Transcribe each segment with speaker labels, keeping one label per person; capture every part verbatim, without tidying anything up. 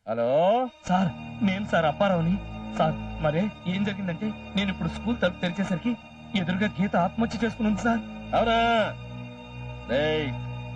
Speaker 1: Hello
Speaker 2: sir నేను sir అప్పారావుని. Sir మరే ఏం జరిగిందంటే నేను ఇప్పుడు స్కూల్ తలుపు తెరిచేసరికి ఎదురుగా గీత ఆత్మహత్య చేసుకుని ఉంది సార్.
Speaker 1: అవునా? రేయ్,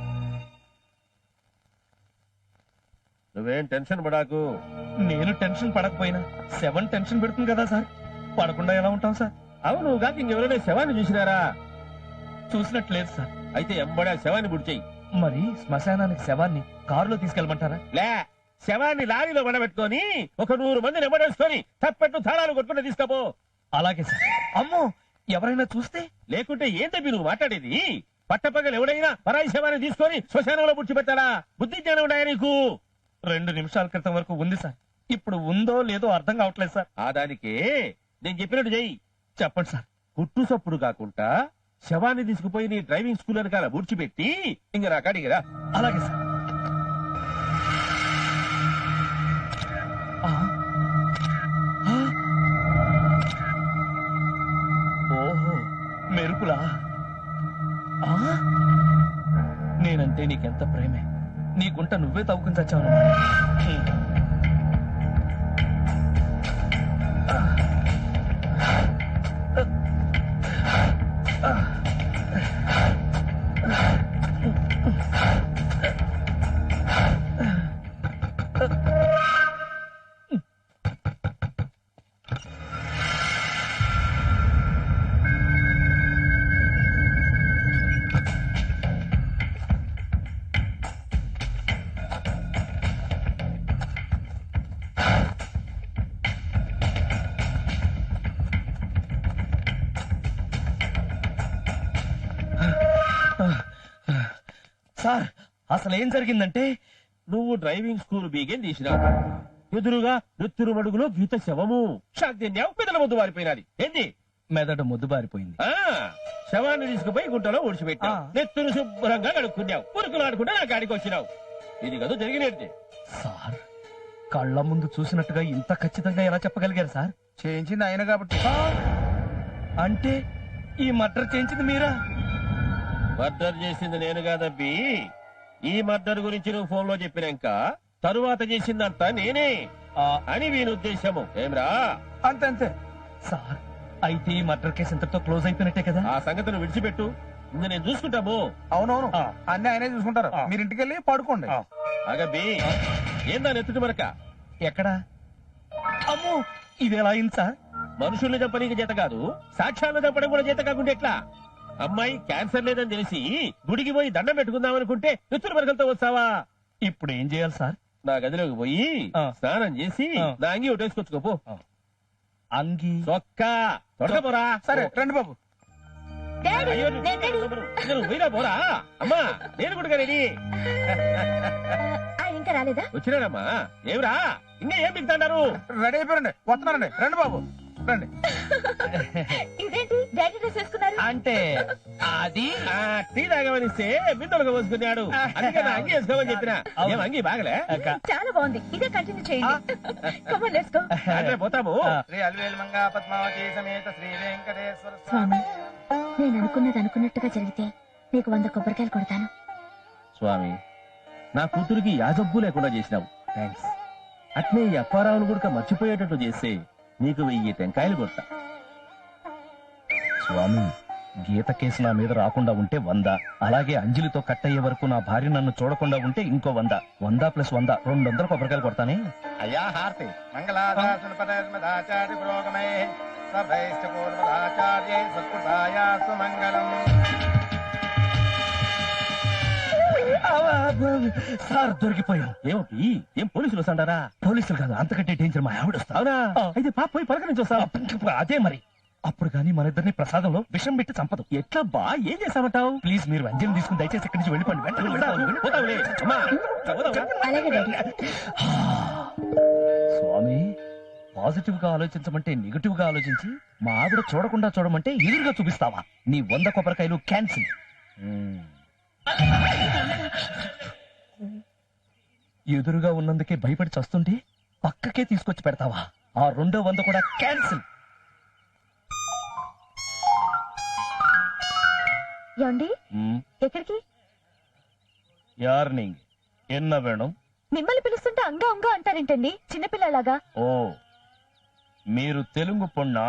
Speaker 1: నువ్వేం టెన్షన్ పడాకు.
Speaker 2: నేను టెన్షన్ పడకపోయినా సెవెన్ టెన్షన్ పెడుతుంది కదా సార్. పడకుండా ఎలా ఉంటాం సార్?
Speaker 1: అవును కాక ఇంకెవరైనా శవాన్ని చూసినారా?
Speaker 2: చూసినట్లేదు సార్.
Speaker 1: అయితే ఎంబడే ఆ శవాన్ని బుడిచేయి.
Speaker 2: మరి శ్మశానానికి శవాన్ని కారులో తీసుకెళ్ళమంటారా?
Speaker 1: లే, శవాన్ని లారీలో పడబెట్టుకొని ఒక నూరు మందిని ఎంబడేసుకొని తప్పెట్టు తాళాలు కొట్టుకుంటే తీసుకపో.
Speaker 2: అలాగే సార్. అమ్మో, ఎవరైనా చూస్తే?
Speaker 1: లేకుంటే ఏం తప్పి నువ్వు మాట్లాడేది? పట్టపగలు ఎవడైనా పరాయి శవాన్ని తీసుకొని శ్మశానంలో పుడిచిపెట్టాలా? బుద్ధి జ్ఞానం ఉన్నాయా నీకు?
Speaker 2: రెండు నిమిషాల క్రితం వరకు ఉంది సార్. ఇప్పుడు ఉందో లేదో అర్థం కావట్లేదు సార్.
Speaker 1: ఆ దానికే నేను చెప్పినట్టు చెయ్యి.
Speaker 2: చెప్పండి సార్.
Speaker 1: కుట్టు సప్పుడు కాకుండా శవాన్ని తీసుకుపోయి నీ డ్రైవింగ్ స్కూల్ వెనకాల బుడ్చిపెట్టి ఇంక నా కాడికి రా.
Speaker 2: అలాగే సార్. ఆ. ఆ. ఓహో, మెరుపులా? ఆ? నేనంటే నీకెంత ప్రేమే. నీ గుంట నువ్వే తవ్వుకుని చచ్చావు. సార్, అసలు ఏం జరిగిందంటే
Speaker 1: నువ్వు డ్రైవింగ్ స్కూల్ బీగేం తీసినావు. ఎదురుగా నెత్తురు మడుగులో గీత శవము. షాద్యం పెదల ముద్దు వారిపోయినది. ఏంది?
Speaker 2: మెదడు ముద్దు బారిపోయింది.
Speaker 1: ఆ శవాన్ని తీసుకుపోయి గుంటలో ఊడ్చిపెట్టావు.
Speaker 2: ఆ.
Speaker 1: నెత్తురు శుభ్రంగా కడుక్కున్నావు. పురుకులు ఆడుకుంటే నా కాడికి వచ్చినావు. ఇది కదా జరిగినట్టే.
Speaker 2: సార్, కళ్ళ ముందు చూసినట్టుగా ఇంత ఖచ్చితంగా ఎలా చెప్పగలిగారు సార్?
Speaker 3: చేయించింది ఆయన కాబట్టి.
Speaker 2: ఆ, అంటే ఈ మర్డర్ చేయించింది మీరా?
Speaker 1: మర్డర్ చేసింది నేను కాదబ్బి. ఈ మర్డర్ గురించి నువ్వు ఫోన్ లో చెప్పినాక తరువాత చేసిందంతా నేనే
Speaker 2: ఆ,
Speaker 1: అని వీని ఉద్దేశము. ఏమ్రా?
Speaker 3: అంతే అంతే.
Speaker 2: సార్, అయితే ఈ మర్డర్ కేసు ఇంతటితో క్లోజ్ అయిపోయినట్టే కదా?
Speaker 1: ఆ సంగతిని విడిచిపెట్టు. ఇంక నేను చూసుకుంటాము.
Speaker 3: అవునవును,
Speaker 2: ఆ.
Speaker 3: అన్ని ఆయనే చూసుకుంటారు.
Speaker 2: ఆ.
Speaker 3: మీరు ఇంటికి వెళ్ళి పడుకోండి.
Speaker 2: ఆ.
Speaker 1: అగబ్బి, ఏందా నెత్తుటి మరక?
Speaker 2: ఎక్కడా? అమ్మో, ఇది ఎలా అయింది సార్?
Speaker 1: మనుషుల్ని చంపనీకి చేత కాదు, సాక్ష్యాలను చంపడం కూడా చేత కాకుండా ఎట్లా? అమ్మాయి క్యాన్సర్ లేదని తెలిసి గుడికి పోయి దండం పెట్టుకుందాం అనుకుంటే నెత్తురు మరకలతో వస్తావా?
Speaker 2: ఇప్పుడు ఏం చేయాలి సార్?
Speaker 1: నా గదిలోకి పోయి
Speaker 2: ఆ.
Speaker 1: స్నానం చేసి
Speaker 2: ఆ.
Speaker 1: నా అంగి ఒకటేసుకొచ్చుకోపో.
Speaker 2: అంగి
Speaker 1: చొక్కా తొడకపోరా.
Speaker 3: సరే రండి బాబు.
Speaker 1: అయ్యో, నువ్వు పోయినా పోరా. అమ్మా, నేను కూడా రెడీ.
Speaker 4: ఆయన ఇంకా రాలేదా?
Speaker 1: వచ్చినాడమ్మా. ఏమిరా ఇంకా ఏం బిగుతాడారు?
Speaker 3: రెడీ అయిపోయారండి, వస్తున్నారండి. రండి బాబు రండి.
Speaker 4: ఇదేంటి డాడీ డ్రెస్ వేసుకున్నారు?
Speaker 2: అంటే అది
Speaker 1: ఆ, టీ తాగమనిస్తే బిందెలుగా పోసుకున్నాడు. అందుకే నా అంగి వేసుకోమని చెప్పిన. ఏం అంగి బాగలే?
Speaker 4: చాలా బాగుంది, ఇదే కంటిన్యూ చేయండి. Come on, let's go.
Speaker 1: అంటే పోతాము.
Speaker 3: శ్రీ అల్వేల్ మంగా పద్మావతి సమేత శ్రీ వెంకటేశ్వర
Speaker 4: స్వామి, నేను అనుకున్నది అనుకున్నట్టుగా జరిగితే నీకు వంద కొబ్బరికాయలు కొడతాను.
Speaker 1: స్వామి, నా కూతురికి యాజబ్బు లేకుండా చేసినావు. థ్యాంక్స్. అట్నే ఈ అప్పారావును కూడా మర్చిపోయేటట్టు చేస్తే నీకు వెయ్యి టెంకాయలు కొడతా.
Speaker 2: స్వామి, గీత కేసు నా మీద రాకుండా ఉంటే వంద, అలాగే అంజలితో కట్ అయ్యే వరకు నా భార్య నన్ను చూడకుండా ఉంటే ఇంకో వంద. వంద ప్లస్ వంద రెండు వందల కొబ్బరికాయలు కొడతానే.
Speaker 3: అయ్యా హారతి. మంగళాదాసుపదాచార్య పురోగమై సభైశ్చ పూర్వదాచార్యై సత్కృతాయాస్తు మంగళం.
Speaker 2: సార్, దొరికిపోయాం.
Speaker 1: ఏమిటి? ఏం పోలీసులు వస్తాడారా?
Speaker 2: పోలీసులు కాదు, అంతకంటే డేంజర్ మా ఆవిడ వస్తా.
Speaker 1: అవునా?
Speaker 2: ఆ.
Speaker 1: అయితే పాప పోయి పలకరించి వస్తావా?
Speaker 2: అదే మరి. అప్పుడు కానీ మన ఇద్దరిని ప్రసాదంలో విషం పెట్టి చంపదు.
Speaker 1: ఎట్లా బా? ఏం చేస్తామంటావు?
Speaker 2: ప్లీజ్ మీరు అంజలి తీసుకుని దయచేసి ఇక్కడి నుంచి వెళ్ళిపోండి. వెంటనే వెళ్ళిపోండి.
Speaker 1: పోతావులే. అమ్మా, పోతావురా?
Speaker 4: అలాగే డాడీ.
Speaker 2: స్వామి, పాజిటివ్ గా ఆలోచించమంటే నెగిటివ్ గా ఆలోచించి మా ఆవిడ చూడకుండా చూడమంటే ఎదురుగా చూపిస్తావా? నీ వంద కొబ్బరికాయలు క్యాన్సిల్. ఎదురుగా ఉన్నందుకే భయపడి చస్తుంటే పక్కకే తీసుకొచ్చి పెడతావా? ఆ రెండో వంద కూడా క్యాన్సిల్.
Speaker 4: ఏమండి, ఎక్కడికి?
Speaker 2: యార్ నీங்க என்ன வேணும்?
Speaker 4: మిమ్మల్ని పిలుస్తుంటే అంగా అంగా అంటారేంటండి చిన్నపిల్లలాగా?
Speaker 2: ఓ మీరు తెలుగు పొన్నా?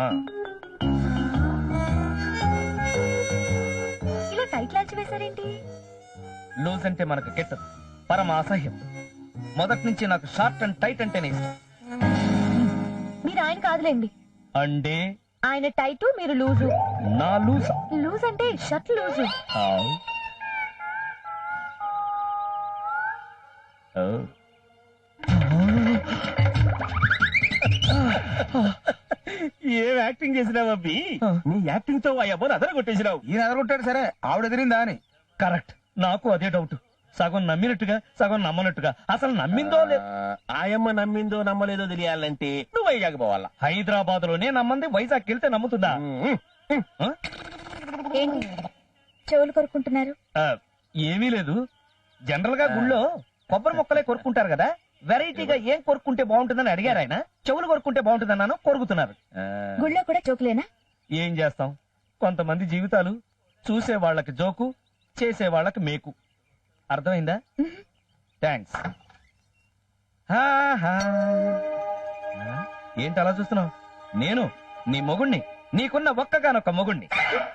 Speaker 4: ఇలా టైట్ లాల్చి వేశారేంటి?
Speaker 2: లూజ్ అంటే మనకు కెట్టదు, పరమ అసహ్యం. మొదటి నుంచి నాకు షార్ట్ అండ్ టైట్ అంటేనే ఇష్టం.
Speaker 4: మీరు ఆయన కాదులేండి.
Speaker 2: అంటే
Speaker 4: ఆయన టైటు, మీరు లూజు.
Speaker 2: నా లూజ్
Speaker 4: లూజ్ అంటే షర్ట్ లూజు.
Speaker 1: ఏం యాక్టింగ్ చేసినావు అబ్బి? నీ యాక్టింగ్ తో ఆ అబ్బని అదర కొట్టేసినావు.
Speaker 3: ఈయన ఎదరగొట్టాడు సరే, ఆవిడ ఎదిరిందా అని.
Speaker 2: కరెక్ట్, నాకు అదే డౌట్. సగం నమ్మినట్టుగా సగం నమ్మనట్టుగా. అసలు నమ్మిందో లేదు.
Speaker 1: ఆయమ్మ నమ్మిందో నమ్మలేదో తెలియాలంటే నువ్వు వైజాగ్ పోవాలా.
Speaker 2: హైదరాబాద్ లోనే నమ్మంది వైజాగ్ వెళ్తే నమ్ముతుందా? ఆ?
Speaker 4: ఏంటి చెవులు కొరుకుంటున్నారు?
Speaker 2: ఆ, ఏమీ లేదు. జనరల్ గా గుళ్ళో కొబ్బరి మొక్కలే కొరుక్కుంటారు కదా, వెరైటీగా ఏం కొరుక్కుంటే బాగుంటుందని అడిగారు ఆయన. చెవులు కొరుక్కుంటే బాగుంటుందన్నాను, కొరుకుతున్నారు.
Speaker 4: గుళ్ళో కూడా జోకులేనా?
Speaker 2: ఏం చేస్తాం, కొంతమంది జీవితాలు చూసే వాళ్ళకి జోకు, చేసే వాళ్ళకి మేకు. అర్థమైందా? థ్యాంక్స్. ఏంటి అలా చూస్తున్నావు? నేను నీ మొగుణ్ణి, నీకున్న ఒక్కగానొక్క మొగుణ్ణి.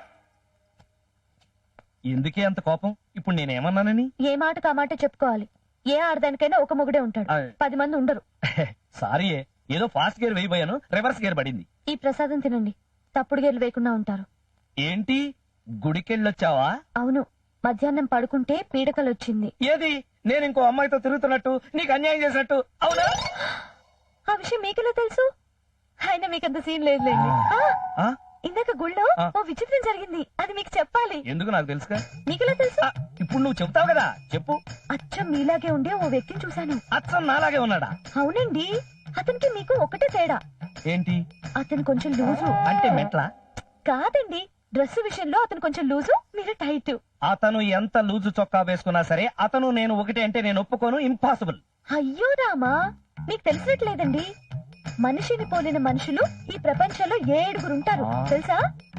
Speaker 2: ఎందుకే అంత కోపం? ఇప్పుడు నేనేమన్నానని?
Speaker 4: ఏ మాట కా మాట చెప్పుకోవాలి. ఏ ఆడదానికైనా ఒక మొగుడే ఉంటాడు,
Speaker 2: ఆ.
Speaker 4: పది మంది ఉండరు.
Speaker 2: సారీ, ఏదో ఫాస్ట్ గేర్ వేయబోయాను, రివర్స్ గేర్ పడింది.
Speaker 4: ఈ ప్రసాదం తినండి, తప్పుడు గేర్లు వేయకుండా ఉంటారు.
Speaker 2: ఏంటి గుడికెళ్ళొచ్చావా?
Speaker 4: అవును, మధ్యాహ్నం పడుకుంటే పీడకలు వచ్చింది.
Speaker 2: ఏది నేను ఇంకో అమ్మాయితో తిరుగుతున్నట్టు, నీకు అన్యాయం చేసినట్టు? అవునా?
Speaker 4: ఆ విషయం మీకెలా తెలుసు? అయినా మీకంత సీన్ లేదులేండి. ఆ,
Speaker 2: ఆ?
Speaker 4: ఇందాక గుళ్ళో
Speaker 2: ఆ.
Speaker 4: ఓ విచిత్రం జరిగింది, అది మీకు చెప్పాలి.
Speaker 2: ఎందుకు నాకు తెలుసుగా.
Speaker 4: మీకెలా తెలుసు?
Speaker 2: ఆ, ఇప్పుడు నువ్వు చెప్తావు కదా, చెప్పు.
Speaker 4: అచ్చం మీలాగే ఉండే ఓ వ్యక్తిని చూశాను.
Speaker 2: అచ్చం నాలాగే ఉన్నాడా?
Speaker 4: అవునండి, అతనికి మీకు ఒకటే తేడా,
Speaker 2: ఏంటి
Speaker 4: అతను కొంచెం లూజు.
Speaker 2: అంటే మెట్లా?
Speaker 4: కాదండి, డ్రెస్ విషయంలో అతను కొంచెం లూజు, మీరు టైట్.
Speaker 2: అతను ఎంత లూజు చొక్కా వేసుకున్నా సరే అతను నేను ఒకటే అంటే నేను ఒప్పుకోను. ఇంపాసిబుల్.
Speaker 4: అయ్యో రామా, మీకు తెలిసినట్లేదండి. మనిషిని పోలిన మనుషులు ఈ ప్రపంచంలో ఏడుగురు ఉంటారు
Speaker 2: ఆ.
Speaker 4: తెలుసా?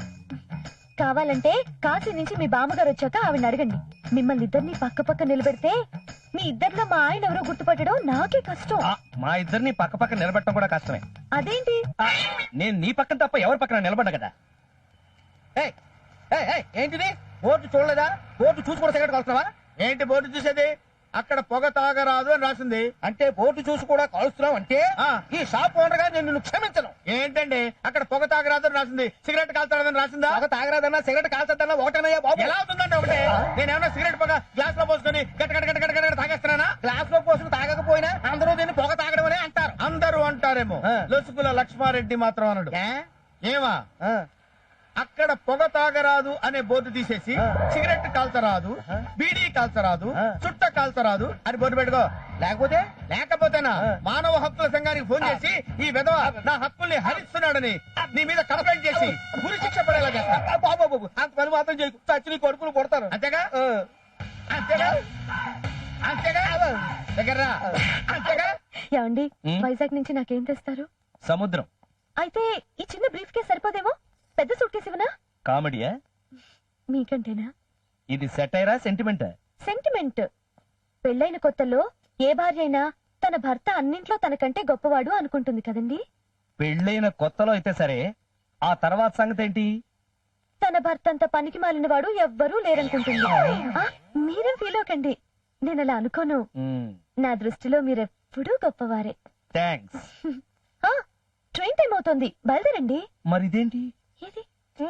Speaker 4: కావాలంటే కాశీ నుంచి మీ బామ్మగారు వచ్చాక ఆవిడ అడగండి. మిమ్మల్ని ఇద్దరిని పక్క పక్క నిలబెడితే మీ ఇద్దరిలో మా ఆయన ఎవరో గుర్తుపట్టడం నాకే కష్టం.
Speaker 2: ఆ, మా ఇద్దరిని పక్క పక్క నిలబెట్టడం కూడా కష్టమే.
Speaker 4: అదేంటి?
Speaker 2: ఆ, నేను నీ పక్కన తప్ప ఎవరి పక్కన నిలబడ్డా కదా.
Speaker 3: ఏయ్, ఏయ్, ఏయ్, ఏంటిది? బోర్డు చూడలేదా? బోర్డు చూసి కూడా సిగరెట్ కలుస్తున్నావా? ఏంటి బోర్డు చూసేది? అక్కడ పొగ తాగరాదు అని రాసింది. అంటే బోర్డు చూసి కూడా కాలుస్తున్నావు అంటే ఈ షాప్ ఓనర్ గా నేను నిన్ను క్షమించను. ఏంటండి అక్కడ పొగ తాగరాదు అని రాసింది, సిగరెట్ కాల్తాడని రాసిందా? పొగ తాగరాదన్నా సిగరెట్ కాల్చదన్నా ఒకటనయ్యా బాబు. ఎలా అవుతుందంటే ఒకటే. నేనేమన్నా సిగరెట్ పొగ గ్లాస్ లో పోసుకొని గట్ట గట్ట గట్ట గట్ట గట్ట తాగేస్తున్నానా? గ్లాస్ లో పోసుకుని తాగకపోయినా అందరూ దీన్ని పొగ తాగడం అనే అంటారు. అందరూ అంటారేమో, లొసుకుల లక్ష్మారెడ్డి మాత్రం అనడు. ఏమా అక్కడ పొగ తాగరాదు అనే బోర్డు తీసేసి సిగరెట్ కాల్చరాదు, బీడీ కాల్చరాదు, చుట్ట కాల్చరాదు అని బోర్డు పెట్టుకో. లేకపోతే లేకపోతేనా మానవ హక్కుల సంఘానికి ఫోన్ చేసి ఈ విధవ నా హక్కుల్ని హరిస్తున్నాడని నీ మీద కంప్లైంట్ చేసి గురి శిక్ష పడేలా చేస్తా. బాబు అంత పని మాత్రం చేయకు, చచ్చి నీ కొడుకులు కొడతారు. అంతేగా అంతేగా అంతేగా దగ్గర అంతేగా.
Speaker 4: ఏమండి,
Speaker 2: ఉమ్.
Speaker 4: వైజాగ్ నుంచి నాకేం తెస్తారు?
Speaker 2: సముద్రం.
Speaker 4: అయితే ఈ చిన్న బ్రీఫ్ కేస్ సరిపోదేమో, పెద్ద సూట్ కేసు ఇవ్వనా?
Speaker 2: కామెడీయా?
Speaker 4: మీకంటేనా?
Speaker 2: ఇది సెటైరా సెంటిమెంటా?
Speaker 4: సెంటిమెంట్. పెళ్ళైన కొత్తలో ఏ భార్య అయినా తన భర్త అన్నింట్లో తనకంటే గొప్పవాడు అనుకుంటుంది కదండి.
Speaker 2: పెళ్ళైన కొత్తలో అయితే సరే, ఆ తర్వాత సంగతి ఏంటి?
Speaker 4: తన భర్త అంత పనికి మాలిన వాడు ఎవ్వరూ లేరనుకుంటుంది. ఆ, మీరేం ఫీల్ అవ్వకండి, నేను అలా అనుకోను. నా దృష్టిలో మీరెప్పుడూ గొప్పవారే.
Speaker 2: థ్యాంక్స్.
Speaker 4: ఆ, ట్రైన్ టైం అవుతోంది, బయలుదేరండి.
Speaker 2: మరి ఇదేంటి?
Speaker 4: ఏది?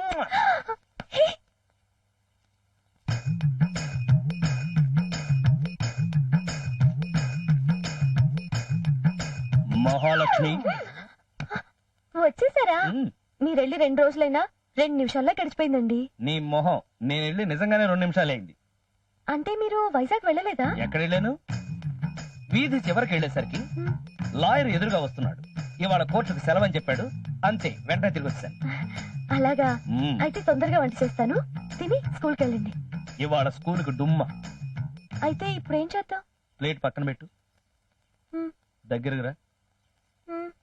Speaker 2: మహాలక్ష్మి.
Speaker 4: వచ్చేసారా?
Speaker 2: మ్,
Speaker 4: మీరెళ్ళి రెండు రోజులైనా రెండు నిమిషాల్లో గడిచిపోయిందండి.
Speaker 2: నీ మొహం, నేను వెళ్ళి నిజంగానే రెండు నిమిషాలు అయింది.
Speaker 4: అంటే మీరు వైజాగ్ వెళ్ళలేదా?
Speaker 2: ఎక్కడ వెళ్ళాను? వీధి చివరికి వెళ్ళేసరికి
Speaker 4: మ్,
Speaker 2: లాయర్ ఎదురుగా వస్తున్నాడు. ఇవాళ కోర్టుకు సెలవని చెప్పాడు, అంతే వెంటనే తిరిగి వచ్చాను.
Speaker 4: అలాగా? అయితే తొందరగా వంట చేస్తాను, తిని స్కూల్కి వెళ్ళండి.
Speaker 2: ఇవాళ స్కూల్కి డుమ్మ.
Speaker 4: అయితే ఇప్పుడు ఏం చేద్దాం?
Speaker 2: ప్లేట్ పక్కన పెట్టు,
Speaker 4: మ్,
Speaker 2: దగ్గరకు రా.
Speaker 4: మ్.